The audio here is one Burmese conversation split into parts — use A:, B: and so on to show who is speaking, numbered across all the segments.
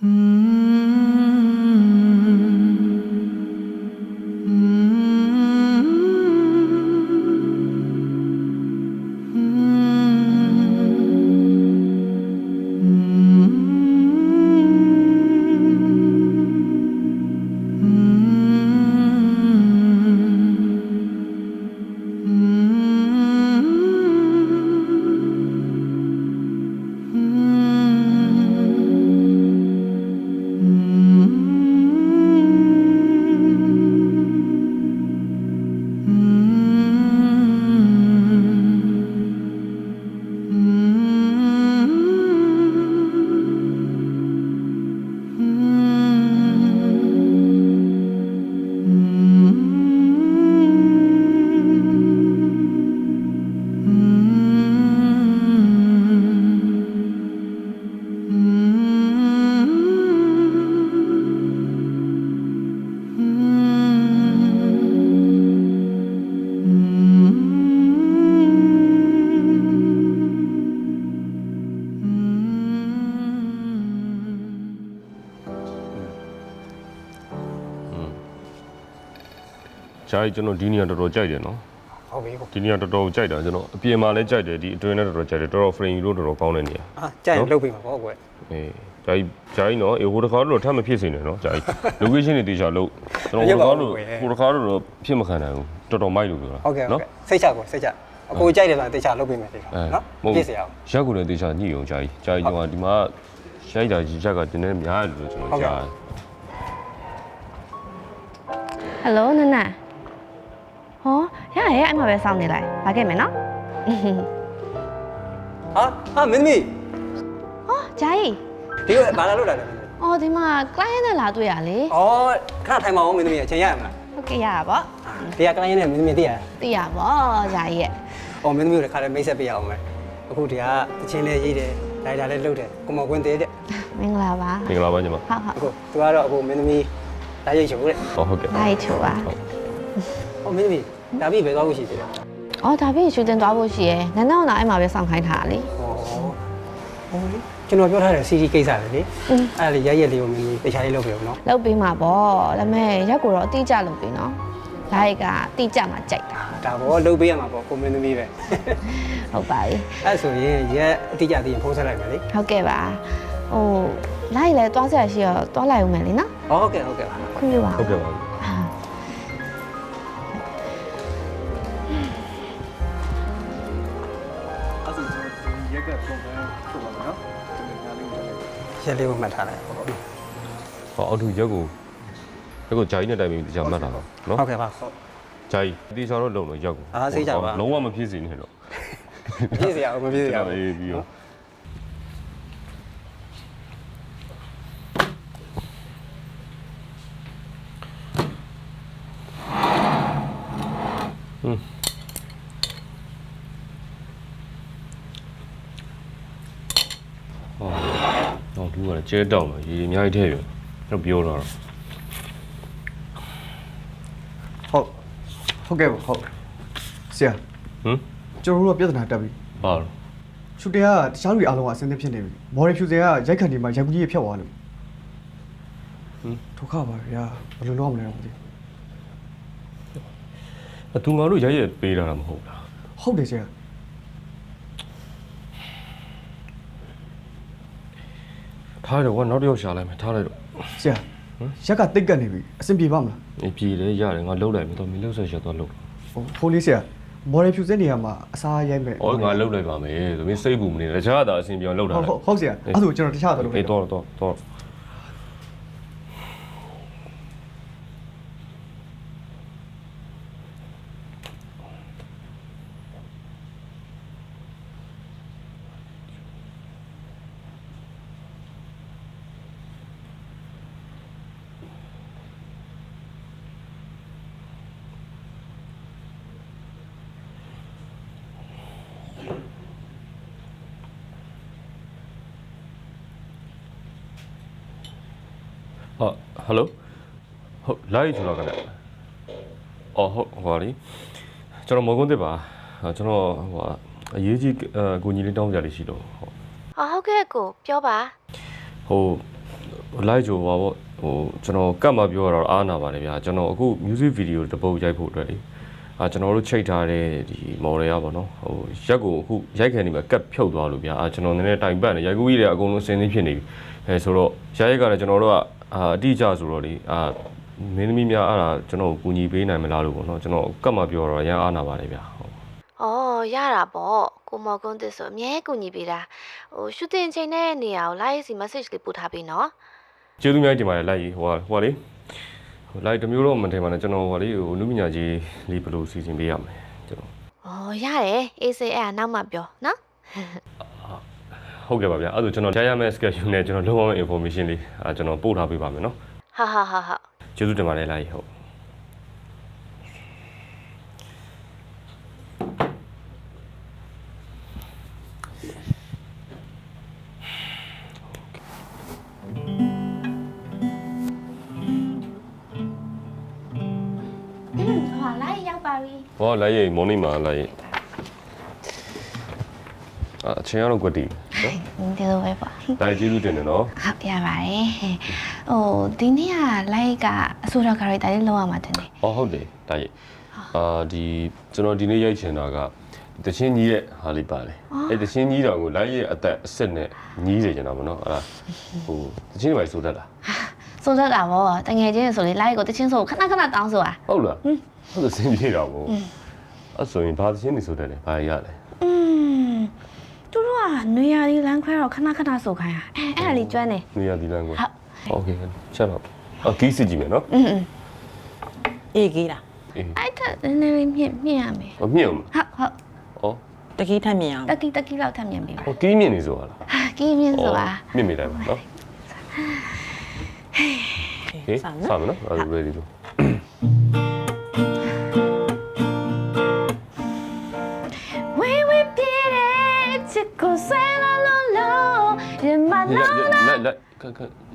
A: ဂျာကြီးကျွန်တော်ဒီနေရာတော်တော်ကြိုက်တယ်နော်ဟုတ်ပြီဒီနေရာတော်တော်ကြိုက်တာကျွန်တော်အပြင်မှာလည်းကြိုက်တယ်ဒီအတွင်းလည်းတော်တော်ကြိုက်တယ်တော်တော် frame လို့တော်တော်ကောင်းတဲ့နေရာ
B: ဟာကြိုက်လုပ်ပြီမှာပေါ့ကွယ်
A: အေးဂျာကြီးနော်ဟိုတစ်ခါတော့ထပ်မဖြစ်စေနဲ့နော်ဂျာကြီး location တွေတေချာလို့ကျွန်တော်ဟိုတစ်ခါတော့ဖြစ်မခံနိုင်ဘူးတော်တော်မိုက်လို့ပြောတာ
B: ဟုတ်ကဲ့စိတ်ချကွယ်စိတ်ချအကိုကြိုက်တယ်ဆိုတာတေချာလုပ်ပြီမယ်တေချာနော်ပြည့်စရာ
A: ရက်ကိုလည်းတေချာညှိအောင်ဂျာကြီးကျွန်တော်ဒီမှာရိုက်တာကြီးရက်ကတင်းနေများတယ်လို့ကျွန်တော်ကြားတယ်
C: ဟယ်လိုနနဟောရရအဲ့မှာပဲစောင့်နေလိုက်ပါခဲ့မယ်နော်
B: ဟာမင်းသမီး
C: ဟောဂျာကြီး
B: ဒီကဘာလာလို့လာလဲ
C: အော်ဒီမှာ client နဲ့လာတွေ့ရလေ
B: ဩခဏထိုင်ပါဦးမင်းသမီးအချိန်ရရမလား
C: ဟုတ်ကဲ့ရပါပေါ့
B: ဒီက client နဲ့မင်းသမီးသိရ
C: သိရပေါ့ဂျာကြီးရဲ့
B: ဩမင်းသမီးတို့ခါလည်းမိတ်ဆက်ပေးရအောင်မယ်အခုဒီကတချင်းလေးရေးတယ်ဒိုင်တာလေးလုပ်တယ်ကိုမော်ကွင်းသေးတဲ့
C: မင်္ဂလာပါ
A: မင်္ဂလာပါညီမ
C: ဟုတ်
B: အခုသူကတော့အခုမင်းသမီးဓာတ်ရိပ်ချိုတဲ့
A: ဟုတ်ကဲ့
C: ဓာတ်ရိပ်ချိုပါ
B: ဩမင်းသမီးဒါပြီးဘယ်သွားဖို့ရှိသေးလဲ
C: အော်ဒါပြီးရှူတင်သွားဖို့ရှိရယ်နန်းတော့အဲ့မှာပဲစောင့်ခိုင်းထားလေ
B: ဟိုလေကျွန်တော်ပြောထားတဲ့ CD ကိစ္စလေအဲ့ဒါလေးရက်လေးကိုမင်းတခြားလေးလုပ်ပြအောင်နော်
C: လုပ်ပေးမှာပေါ့ဒါပေမဲ့ရက်ကိုတော့အတိအကျလုပ်ပေးနော်ဓာတ်ရိပ်ကအတိအကျမှကြိုက်တာ
B: ဒါပေါ့လုပ်ပေးရမှာပေါ့ကိုမင်းသမီးပဲ
C: ဟုတ်ပါပြီ
B: အဲ့ဆိုရင်ရက်အတိအကျသိရင်ဖုန်းဆက်လိုက်မယ်လေ
C: ဟုတ်ကဲ့ပါဟိုလိုက်လေသွားဆက်ရှိတော့သွားလိုက်ဦးမယ်လေနော်
B: ဟုတ်ကဲ့ပါ
C: ခွင့်ပြုပါ
A: ဟုတ်ကဲ့ပါ
B: ရက်လေးကိုမှတ်ထားလိုက်ပေါ့နော်
A: ဟောအောက်ထူရက်ကိုဂျာကြီးနဲ့တိုင်ပြီးကြာမှတ်တာနော်
B: ဟုတ်ကဲ့ပါဟုတ်
A: ဂျာကြီးဒီချောင်းတော့လုံလို့ရက်ကို
B: စိတ်ချပါ
A: လုံးဝမဖြစ်စေနဲ့တော့
B: မဖြစ်စေရအောင်မဖြစ်စေရအောင်
A: အေးပြီးတော့တော့သူကလည်းကျဲတောင်းတော့ရေအများကြီးထည့်ရတော့ပြောတော့
D: ဟုတ်ကဲ့ဟုတ်ဆရာကျွန်တော်တို့ကပြဿနာတက်ပြီ
A: ဘာလို့
D: ရှူတင်ကတခြားလူအားလုံးကအဆင်သင့်ဖြစ်နေပြီမော်ဒယ်ဖြူစင်ကရိုက်ခတ်ဒီမှာရိုက်ကူးကြီးဖြတ်သွားလို့ဒုက္ခပါဗျာဘယ်လိုလုပ်မလဲတော့မသိ
A: ဘူးသူငါတို့ရိုက်ရပေးတာမဟုတ်လား
D: ဟုတ်တယ်ဆရာ
A: ထားတော့ကနောက်တစ်ယောက်ရှာလိုက်မယ်ထားလိုက်တော့
D: ဆရာရက်ကတိတ်ကတ်နေပြီအဆင်ပြေပါမလား
A: ပြေတယ်ရတယ်ငါလှုပ်လိုက်မယ်တော့မင်းလှုပ်ဆက်ချက်တော့လှုပ်
D: ဖိုးလေးဆရာမော်ဒယ်ဖြူစင်နေရာမှာအစားရိုက်မယ်
A: ငါလှုပ်လိုက်ပါမယ်သမီးစိတ်ပူမနေတခြားသာအဆင်ပြေအောင်လှုပ်တာ
D: ဟုတ်ဆရာအဲ့ဒါကျွန်တော်တခြားတော့
A: လုပ်တယ်တော့ဟယ်လိုဟုတ်လိုက်ကျွန်တော်ကလည်းအော်ဟုတ်ဟောလीကျွန်တော်မော်ကွန်းတစ်ပါကျွန်တော်ဟိုအရေးကြီးကိုညီလေးတောင်းကြလေးရှိလို့
C: ဟုတ်ကဲ့ကိုပြောပါ
A: ဟိုလိုက်ကြပါပေါ့ကျွန်တော်ကတ်မှာပြောတော့အားနာပါတယ်ဗျာကျွန်တော်အခု music video တစ်ပုတ်ရိုက်ဖို့အတွက်လေကျွန်တော်တို့ချိတ်ထားတဲ့ဒီ model ရပါတော့ရက်ကိုအခုရိုက်ခံနေမှာကတ်ဖြုတ်သွားလို့ဗျာကျွန်တော်နည်းနည်းတိုင်ပတ်နေရိုက်ကူးကြီးတွေအကုန်လုံးစင်းစင်းဖြစ်နေပြီဆိုတော့ရိုက်ကလည်းကျွန်တော်တို့ကအတိအကျဆိုတော့လေမင်းသမီးများအဲ့ဒါကျွန်တော်ကူညီပေးနိုင်မလားလို့ပေါ့နော်ကျွန်တော်ကတ်မှာပြောတော့ရန်အားနာပါတယ်ဗျာ
C: အော်ရတာပေါ့ကိုမော်ကွန်းတစ်ဆိုအမြဲကူညီပေးတာရှူတင်ချိန်တဲ့နေရာကို live စီ message လေးပို့ထားပေးနော်
A: ကျေးဇူးများတင်ပါတယ်လိုက်ဟိုလေလိုက်တမျိုးတော့မထင်ပါနဲ့ကျွန်တော်လေလူပညာကြီးလေးဘယ်လိုစီစဉ်ပေးရမလဲကျွန်တော်
C: ရတယ်အေးစေးအဲ့နောက်မှပြောနော်
A: ဟုတ်ကဲ့ပါဗျာအဲ့ဒါကျွန်တော်ကြားရမယ့် schedule နဲ့ကျွန်တော်လုံးဝ information လေးကျွန်တော်ပို့ထားပေးပါမယ်နော်
C: ဟာ
A: ကျေးဇူးတင်ပါတယ်လိုက်ဟုတ်ဟောလိုက်ရင်မော်နီမှာလိုက်ရင်အချင်းရတော့ကွတီ
C: နော်ဒီလိုပဲပေါ့
A: ဒါကျေးဇူးတင်တယ်နော်
C: ဟုတ်ရပါတယ်ဒီနေ့ကလိုက်ကအဆိုတော် character လေးလောက်ရမှာတင်တယ်
A: ဟုတ်တယ်ဒါကြီးဒီကျွန်တော်ဒီနေ့ရိုက်ချင်တာကတချင်းကြီးရဲ့ဟာလေးပါလေအဲ့တချင်းကြီးတော်ကိုလိုက်ရဲ့အသက်အစ်စ်နဲ့ညီးစေချင်တာပေါ့နော်အဲ့ဒါတချင်းတွေပဲဆိုတတ်လား
C: ဆိုတတ်တာပေါ့တငယ်ချင်းဆိုလေလိုက်ကိုတချင်းဆိုခဏတောင်းဆိုတာ
A: ဟုတ်လားဟုတ်တယ်စင်ပြေတော့ပေါ့အဲ့ဆိုရင်ဘာတချင်းနေဆိုတတ်တယ်ဘာရလဲ
C: သူတို့ကနွေရာသီလမ်းခွဲတော့ခဏဆိုခိုင်းအဲ့ဒါလေးကျွမ်းနေ
A: နွေရာသီလမ်းခွဲဟုတ်ကဲ့ချက်တော့ကီးစစ်ကြည့်မယ်နော်
C: အေးကြီးလားအဲ့ဒါနည်းနည်းမြင့်ရမယ်
A: မြင့်ဟုတ်
C: တကီးထပ်မြင့်အောင်တကီးလောက်ထပ်မြင့်ပေးပါ
A: ကီးမြင့်နေဆိုတာလား
C: ကီးမြင့်ဆိုတာ
A: မြင့်မိတိုင်းပါနော်ဟေးစမ်းနော်အဲ့ဒါ ready လို့来，看，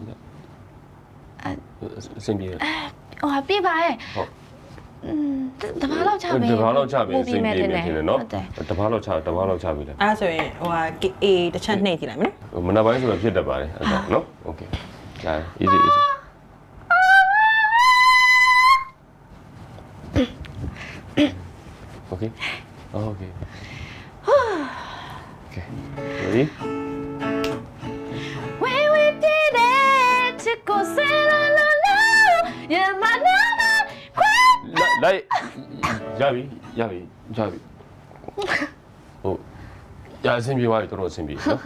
A: 身边。
C: ပြပါရဲ့တဘာလောက်ချပြီ
A: တဘာလောက်ချပြီစင်ပြေနေတယ်နော်တဘာလောက်ချပြီလေ
E: အဲ့ဒါဆိုရင်A တစ်ချက်နှိပ်ကြည့်လိုက်မယ်
A: နော်မနက်ပိုင်းဆိုတော့ဖြစ်တတ်ပါတယ်အဲ့ဒါနော်โอเคဒါ easy okay ready来，ရပြီရအဆင်ပြေသွားပြီတော်တော်အဆင်ပြေနော်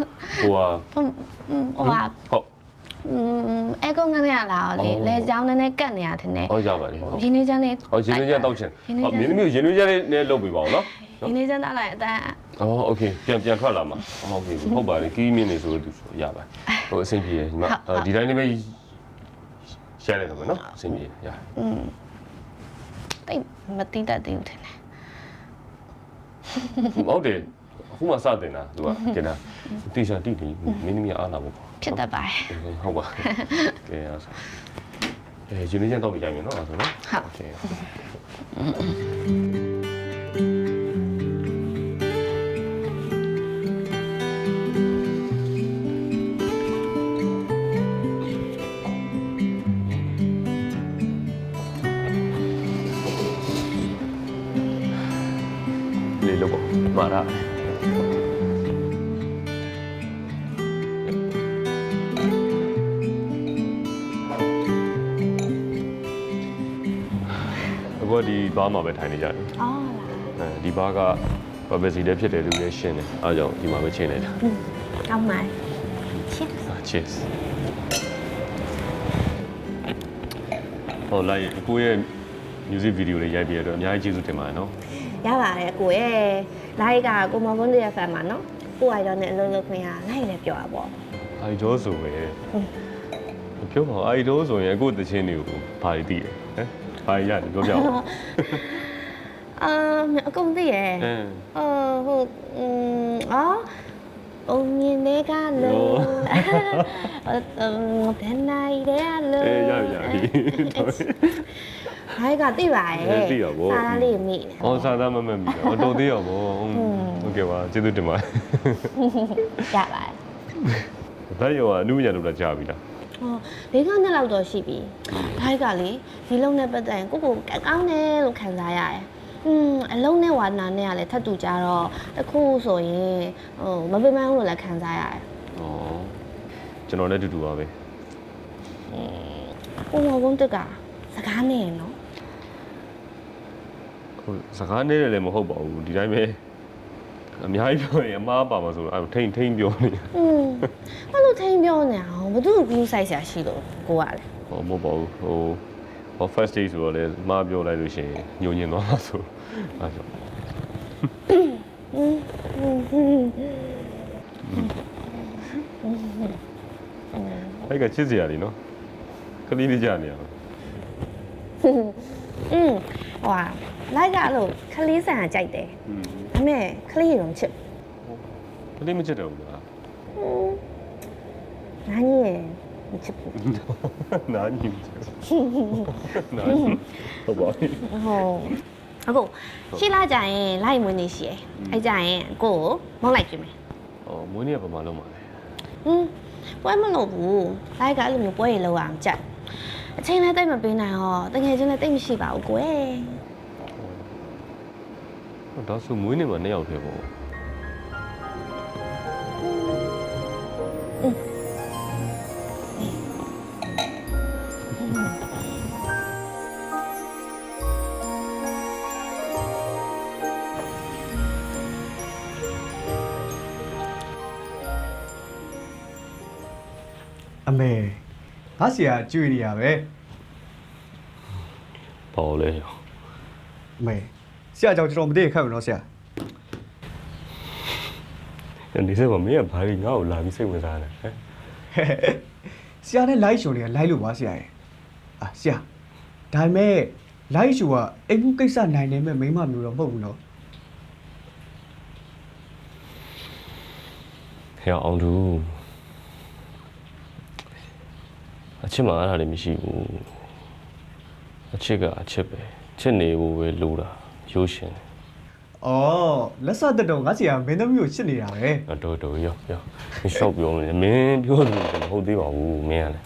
A: ဟုတ်
C: အဲကုန်းကနေရလာလေလေချောင်းနဲ့ကတ်နေရထင်တယ်
A: ဟုတ်ရပါတယ်
C: ရင်းနေချမ်းလေး
A: ရင်းနေချမ်းတောက်ချင်မင်းသမီးရင်းနေချမ်းလေးနဲ့လုပ်ပေးပါဦးနော်
C: ရင်းနေချမ်းတောက်လိုက်အတန်း
A: โอเคပြန်ထွက်လာမှာဟုတ်ပြီဟုတ်ပါတယ်ကီးမင်းနေဆိုလို့သူဆိုရပါတယ်အဆင်ပြေညီမဒီတိုင်းလေးပဲရှယ်လိုက်တော့မယ်နော်အဆင်ပြေရ
C: တိတ်မတိတတ်သေးဘူးထင်တယ်
A: ဟုတ်တယ်အခုမှစတင်တာသူကကျန်တာတေချာတိတိမင်းသမီးအားလာဖို့
C: ဖြစ်တတ်ပါတယ်
A: ဟုတ်ပါကဲအားစားဂျင်းနေချမ်းတော့ပြကြမယ်နော်အဲ့ဒါဆိုနော်
C: โอเค
A: လေးလို့ပေါ့မှားတာဒီဘားမှာပဲထိုင်နေကြတယ်ဒီဘားက privacy လည်းဖြစ်တယ်လူလည်းရှင်းတယ်အားကြောင့်ဒီမှာပဲချင်းနေတာ
C: ကောင်းပါ
A: cheers ဟောလိုက်ကိုရဲ့ music video လေးရိုက်ပြရတော့အများကြီးကျေးဇူးတင်ပါတယ်နော်
C: ရပါတယ်အကိုရဲ့လိုက်ကကိုမော်ကွန်းရဲ့ fan ပါနော်ကိုအိုင်ဒေါ်နဲ့အလုပ်လုပ်ခွင့်ရလိုက်လည်းပြောတာပေါ့
A: အိုင်ဒေါ်ဆိုပဲပြောပါအိုင်ဒေါ်ဆိုရင်အခုတချင်းတွေကိုဘာတွေသိတယ်ဟမ်ဘာရတယ်ပြောပြအောင်
C: အကုန်သိရယ်ဟုတ်အုံမြင်တဲ့ကလို့ဘယ်နိုင်တဲ့လို့
A: ရပြီ
C: ဟိုက်ကသိပါရဲ့
A: သိရပါ
C: စားလေးမိ
A: စားသားမမိတော့တော်သေးရပါဟုတ်ကဲ့ပါကျေးဇူးတင်ပါတယ်
C: ရပါတယ်
A: ဒါရောအနုပညာလုပ်တာကြာပြီလား
E: ဟ
C: ၄ ခေါက်နှစ်လောက်တော့ရှိပြီဒါကလေဒီလုံးနဲ့ပတ်သက်ရင်ကိုကောင်းတယ်လို့ခံစားရတယ်အလုံးနဲ့ဝါနာနဲ့ကလည်းထပ်တူကြတော့တခုဆိုရင်မပင်ပန်းဘူးလို့လည်းခံစားရတယ်
A: ဩကျွန်တော်လည်းတူတူပါပဲ
C: ကိုမောင်ကုန်းတက်ကစကားနဲ့ရနော်
A: ဟိုစကားနဲ့လည်းမဟုတ်ပါဘူးဒီတိုင်းပဲအများကြီးပြောရင်အမားပါမှာဆိုတော့အဲ့ထိန်ပြောနေ
C: ဘာလို့ထိန်ပြောနေအောင်ဘာလို့ glue size ဆရာရှိလို့ကိုကလေ
A: ဟောမဟုတ်ပါဘူးဟို first day ဆိုတော့လည်းအမားပြောလိုက်လို့ရှိရင်ညှို့ညင်သွားမှာဆိုအဲ့ကြောင့်အဲ့ကချစ်စရာလीနော်ကလေးလေးကြနေရအောင်
C: ဟွာလိုက်ကတော့ခလေးဆန်ကကြိုက်တယ်ဒါပေမဲ့ခလေးရုံချစ်
A: ကလေးမချစ်တော့ဘူးလား
C: နားကြီးရမချစ်ဘူး
A: နားညင်ချစ်နားဟုတ်ပါဘူး
C: ဟုတ်အခုရှင်းလာကြရင်လိုက်မွေးနေရှိရယ်အဲ့ကြရင်ကိုကိုမောင်းလိုက်ကြည့်မယ်
A: မွေးနေ့ကဘာမှလုံးပါလဲ
C: ပွဲမလို့ဘူးလိုက်ကအဲ့လိုမျိုးပွဲရလောက်အောင်ကြက်အချိန်လည်းတိတ်မပေးနိုင်ဟောတကယ်ချင်းလည်းတိတ်မရှိပါဘူးကိုယ်
A: ဒါဆိုမွေးနေ့မှာ2ယောက်ထဲပေါ့
D: အမေငါဆရာကြွေနေရပဲ
A: ပေါ့လဲ
D: အမေဆရာကြောင့်ကျွန်တော်မတည့်ခတ်ဘူးနော်ဆရာ
A: ဒီစက်မှာမင်းကဘာကြီးငါ့ကိုလာပြီးစိတ်ဝင်စားနေဟမ်
D: ဆရာနဲ့ live show တွေက live လို့ပါဆရာရဲ့ဆရာဒါပေမဲ့ live show ကအိမ်မှုကိစ္စနိုင်နေမဲ့မိန်းမမျိုးတော့မဟုတ်ဘူးနော်
A: ဟဲ့အောင်သူအချစ်မှာအဲ့ဒါလည်းမရှိဘူးအချစ်ကအချစ်ပဲချစ်နေဖို့ပဲလိုတာရိုးရှင်
D: အော်လက်စတက်တော့ငါဆရာမင်းသမီးကိုချစ်နေတာပဲ
A: တော်ရောမရှောက်ပြောနေမင်းပြောတယ်မဟုတ်သေးပါဘူးမင်းကလည်း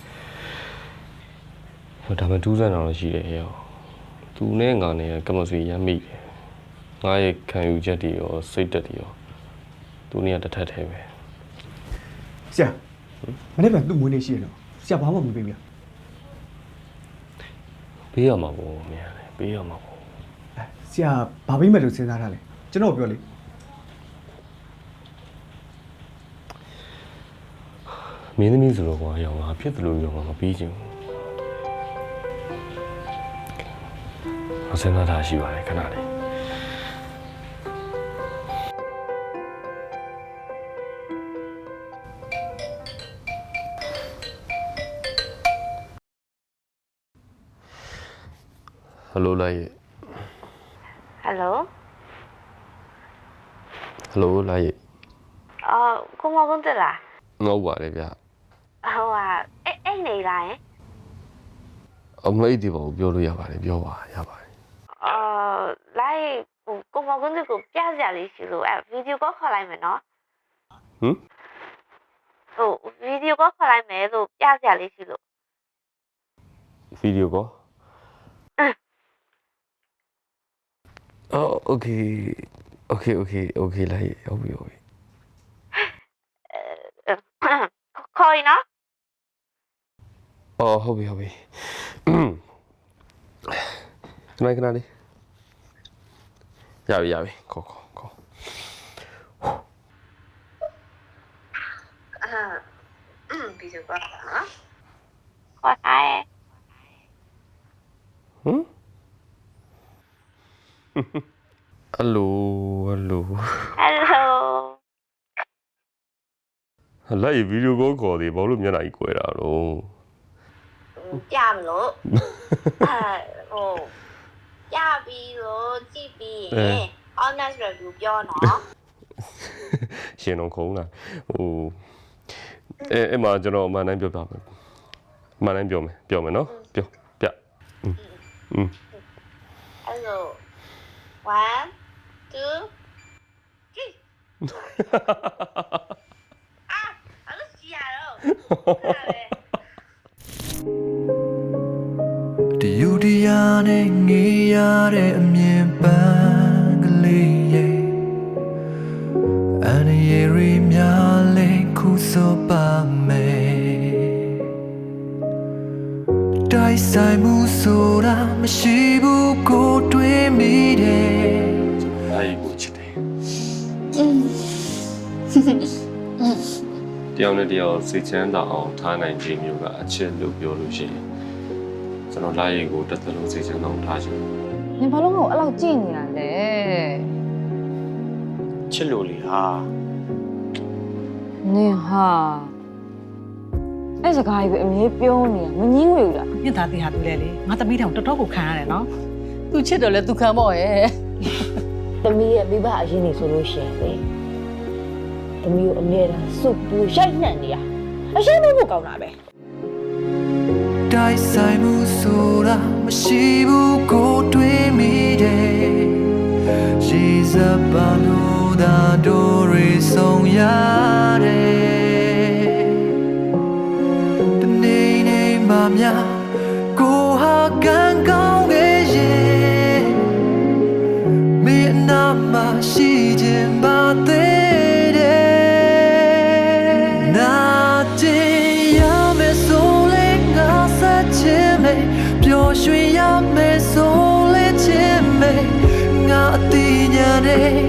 A: ဒါမှတူးစမ်းတော့ရှိတယ်ဟဲ့သူနဲ့ငါနဲ့ကမဆွေရမ်းမိတယ်ငါရဲ့ခံယူချက်တွေရောစိတ်သက်တွေရောသူနဲ့တစ်ထပ်ထဲပဲ
D: ဆရာမနေ့ကသူ့မွေးနေ့ရှိရတော့ဆရာဘာမှမပေးဘူး
A: ပေးရမှာပေါ့မင်းကလည်းပေးရမှာပေါ့
D: ဆရာဘာပေးမဲ့လို့စဉ်းစားထားလဲကျွန်တော်ပြောလေ
A: မင်းသမီးဆိုတော့ကွာရောငါဖြစ်တယ်လို့ရောငါမပြီးချင်ဘူးစဉ်းစားထားရှိပါတယ်ခဏလေးဟယ်လိုလိုက်
C: ဟယ်လို
A: ဟယ်လိုလိုက်
C: ကိုမောင်ကုန်းတက်လား
A: ငေါ့ပါတယ်ဗျ
C: ဟိုအိတ်နေလားယင်
A: အမိတ်ဒီပေါ့ပြောလို့ရပါတယ်ပြောပါရပါတယ်
C: လိုက်ကိုမောင်ကုန်းတက်ကိုပြစရာလေးရှိလို့ဗီဒီယိုကောခေါ်လိုက်မယ်နော်
A: ဟမ်
C: ဗီဒီယိုကောခေါ်လိုက်မယ်လို့ပြစရာလေးရှိလို့
A: ဗီဒီယိုကောโอเคလိုက်ဟုတ်ပြီ
C: ခေါ်ရင်နော်
A: ဟုတ်ပြီခဏလေးရပြီခေါ်
C: ဗီဒီယိုကောနော်ခေါ်ထားရဲ့
A: ဟမ်ဟယ်လို
C: ဟယ်လို
A: လိုက်ဗီဒီယိုကောခေါ်သေးဘာလို့မျက်နှာကြီးကွယ်တာတော့
C: ပြမလို့ပြပြီးလို့ကြည့်ပြီးရင် honest review ပြောနော်
A: ရှင်တော့ခုံးလာအဲ့မှာကျွန်တော်အမှန်တမ်းပြောပြမယ်အမှန်တမ်းပြောမယ်နော်ပြောပြ
C: အဲ့လို1 2 3အဲ့လိုကြည့်ရတော့
F: And yeri myale kuso pa me Dai sai mu sora mashibu ko twe mi de
A: အားကြီးကိုချစ်တယ်တယောက်နဲ့တယောက်စိတ်ချမ်းသာအောင်ထားနိုင်ခြင်းမျိုးကအချစ်လို့ပြောလို့ရှိရင်ကျွန်တော်လာရီကိုတစ်သက်လုံးစိတ်ချမ်းသာအောင်ထားချင်တယ်
G: နင်ဘာလို့ငါ့ကိုအဲ့လောက်ကြည့်နေတာလဲ
H: ချစ်လို့လေဟာ
G: နင်ဟာအဲ့စကားကြီးပဲအမေပြောနေတာမငင်းငွေဘူးလား
E: မြင့်သားတီဟာသူလဲလေငါသမီးတောင်တော်တော်ကိုခံရတယ်နော်
G: သူချစ်တယ်လဲသူခံပေါ့ရဲ့သမီးရဲ့မိဘအရင်နေဆိုလို့ရှိရင်လေသမီးကိုအမြဲတမ်းစုပ်ပြီးရိုက်နှံ့နေရအရှင်းမဖို့ကောင်းတာပဲ
F: Dai sai mu sora mashibu ko twe mi de Jiza balo da do re song ya de De nei nei ma mya ko ha gan kaung ge ye Me na ma shi jin ba de de Na jin ya me so le nga sa chin me pyo shwe ya me so le chin me nga ti nya de